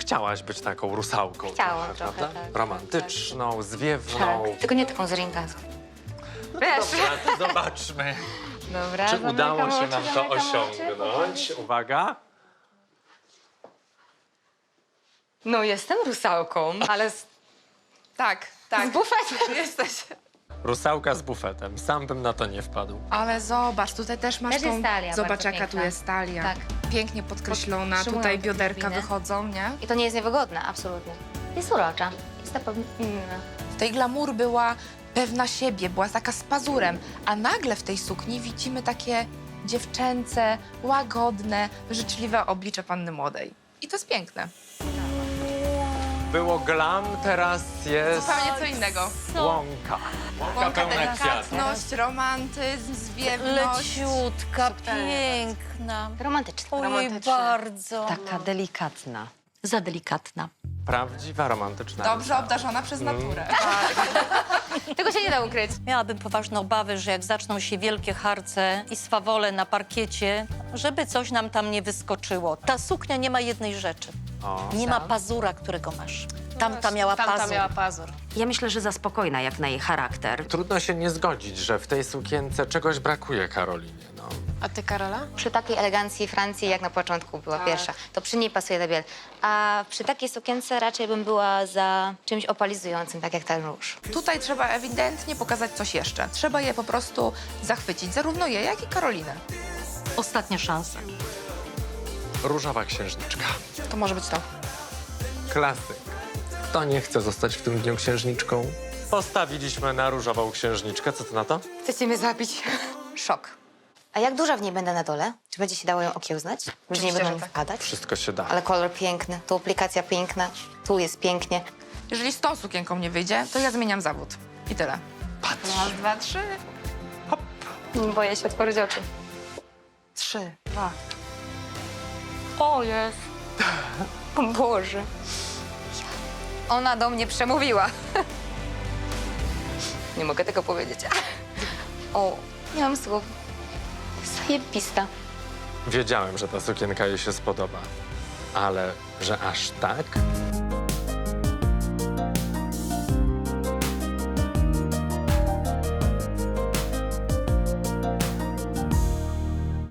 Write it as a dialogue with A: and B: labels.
A: chciałaś być taką rusałką.
B: Chciałam trochę,
A: prawda?
B: tak,
A: Romantyczną, zwiewną.
B: Tak, tylko nie taką z ringazu.
A: Dobra, to zobaczmy,
B: Dobra,
A: czy
B: zamykam
A: udało się
B: oczy,
A: nam to
B: zamykam oczy.
A: osiągnąć. Uwaga.
B: No jestem rusałką, ale z
C: Tak, tak.
B: bufetem.
C: Jesteś.
A: Rusałka z bufetem. Sam bym na to nie wpadł.
C: Ale zobacz, tutaj też masz
B: Też jest
C: tą...
B: talia
C: Zobacz,
B: bardzo
C: jaka tu
B: piękna.
C: jest talia.
B: Tak.
C: Pięknie podkreślona,
B: Podtrzymują
C: tutaj
B: te
C: bioderka
B: drobiny.
C: wychodzą, nie?
B: I to nie jest niewygodne, absolutnie. Jest urocza. Jest na pewno inna.
C: W tej glamour była pewna siebie, była taka z pazurem, a nagle w tej sukni widzimy takie dziewczęce, łagodne, życzliwe oblicze panny młodej. I to jest piękne.
A: Było glam, teraz jest
C: Zupełnie co innego.
A: łąka. Łąka pełna kwiatów.
C: Delikatność, romantyzm, zwiewność.
D: Leciutka, piękna.
B: Romantyczna.
D: Oj, bardzo.
E: Taka delikatna.
D: Za delikatna.
A: Prawdziwa, romantyczna.
C: Dobrze
A: rusałka.
C: obdarzona przez naturę.
B: Tego się nie da ukryć.
D: Miałabym poważne obawy, że jak zaczną się wielkie harce i swawole na parkiecie, żeby coś nam tam nie wyskoczyło. Ta suknia nie ma jednej rzeczy.
A: O.
D: Nie ma pazura, którego masz. Tamta miała pazur.
C: pazur.
E: Ja myślę, że za spokojna jak na jej charakter.
A: Trudno się nie zgodzić, że w tej sukience czegoś brakuje Karolinie. No.
C: A ty, Karola?
B: Przy takiej elegancji Francji, jak na początku była pierwsza, to przy niej pasuje ta biel. A przy takiej sukience raczej bym była za czymś opalizującym, tak jak ten róż.
C: Tutaj trzeba ewidentnie pokazać coś jeszcze. Trzeba je po prostu zachwycić, zarówno je, jak i Karolinę.
D: Ostatnia szansa.
A: Różowa księżniczka.
C: To może być to.
A: Klasyk. Kto nie chce zostać w tym dniu księżniczką? Postawiliśmy na różową księżniczkę. Co ty na to?
B: Chcecie mnie zabić? Szok. A jak duża w niej będę na dole? Czy będzie się dało ją okiełznać? Ludzie nie
C: Oczywiście,
B: będą
C: że
B: mi
C: tak.
B: wpadać?
A: Wszystko się da.
B: Ale kolor piękny, tu aplikacja piękna, tu jest pięknie.
C: Jeżeli z tą sukienką nie wyjdzie, to ja zmieniam zawód. I tyle.
A: Patrz.
C: Raz, dwa, trzy.
B: Boję się otworzyć oczy.
C: 3, 2.
B: O jest. O Boże. Ona do mnie przemówiła. Nie mogę tego powiedzieć. O, nie mam słów. Zajebista.
A: Wiedziałem, że ta sukienka jej się spodoba. Ale że aż tak?